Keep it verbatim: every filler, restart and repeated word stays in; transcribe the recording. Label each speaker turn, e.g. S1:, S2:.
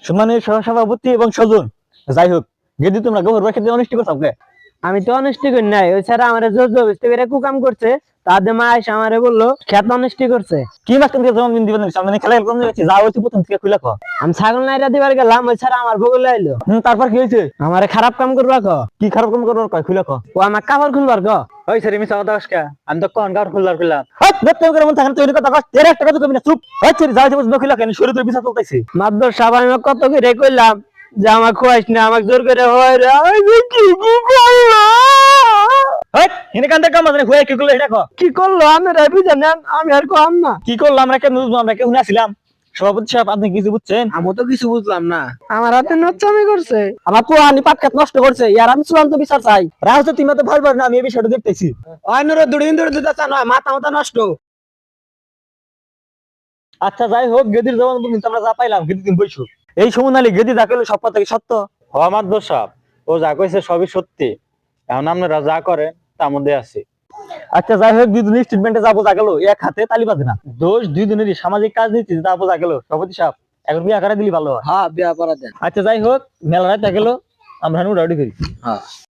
S1: সম্মানীয় সহসভাপতি এবং স্বজন, যাই হোক যদি তোমরা গোবর বাক্যে অনিষ্টি করছো কে?
S2: আমি তো অনিষ্টি করি নাই, ওই ছাড়া আমার জোর জবরদস্তি করে কুকাম করছে, তাদের মা এসে আমারে বললো খেত অনিষ্টি করছে।
S1: কি মাস তুমি জন্মদিন দিবেন সামনে খেলা কম যাচ্ছে, যা হয়েছে প্রথম থেকে খুলে কো।
S2: আমি ছাগল নাইরা দিবার গেলাম, ওই ছাড়া আমার বগলে আইলো।
S1: হুম, তারপর কি হয়েছে?
S2: আমারে খারাপ কাম করবা ক,
S1: কি খারাপ কাম করবার কয় খুলে কো।
S2: ও আমার কাপড় খুলবার ক।
S1: ওই স্যার মিছা কথা কস কে? আমি তো কোন কার খুলবার খুললাম। হট বেতে করে মন থাকেন তৈরি কথা কস, তেরে একটা কথা কবি না, চুপ। ওই স্যার যা হয়েছে বুঝবে খুলে কেন শুরু তুই বিচার চলতেছে।
S2: মাদ্দর সাহেব আমি কত করে কইলাম যে আমার খোয়াইস না, আমাকে জোর করে হয় রে, আমি যে কি কি করলাম।
S1: হট হিনে কান্দে কাম মানে হয়ে কি করলো এটা কো।
S2: কি করলো আমি রে বুঝেন, আমি আর কম না।
S1: কি করলাম আমরা কেন বুঝবো, আমরা কেউ শুনেছিলাম? সভাপতি সাহেব আপনি কিছু বুঝছেন?
S2: আমি তো কিছু বুঝলাম না। আমার হাতে নচ্চামি করছে, আমার পোহানি পাটকাত নষ্ট করছে, ইয়ার আমি চূড়ান্ত বিচার চাই।
S1: রাহুল তো তুমি তো ভয় পার না, আমি এই বিষয়টা দেখতেছি।
S2: অন্যরা দুদিন ধরে দিতে চান, মাথা মাথা নষ্ট।
S1: আচ্ছা যাই হোক, গেদির জবান পর্যন্ত আমরা যা পাইলাম, গেদি তুমি বইছো। এই সমুনালি গেদি যা করলো সব কথা কি সত্য?
S3: আমার দোষ সাহেব, ও যা কইছে সবই সত্যি। এখন আপনারা যা করেন তার মধ্যে আছে।
S1: আচ্ছা যাই হোক, দুই দিনের স্টেটমেন্টে যা বোঝা গেল, এক হাতে তালি বাজে না। দোষ দুই দিনেরই, সামাজিক কাজ নিচ্ছি যা বোঝা গেল। সভাপতি সাহেব এখন বিয়ে আকারে দিলি ভালো হয়।
S2: হ্যাঁ বিয়া করা দেন।
S1: আচ্ছা যাই হোক, মেলা রাত গেল, আমরা উড়াউড়ি করি।
S2: হ্যাঁ।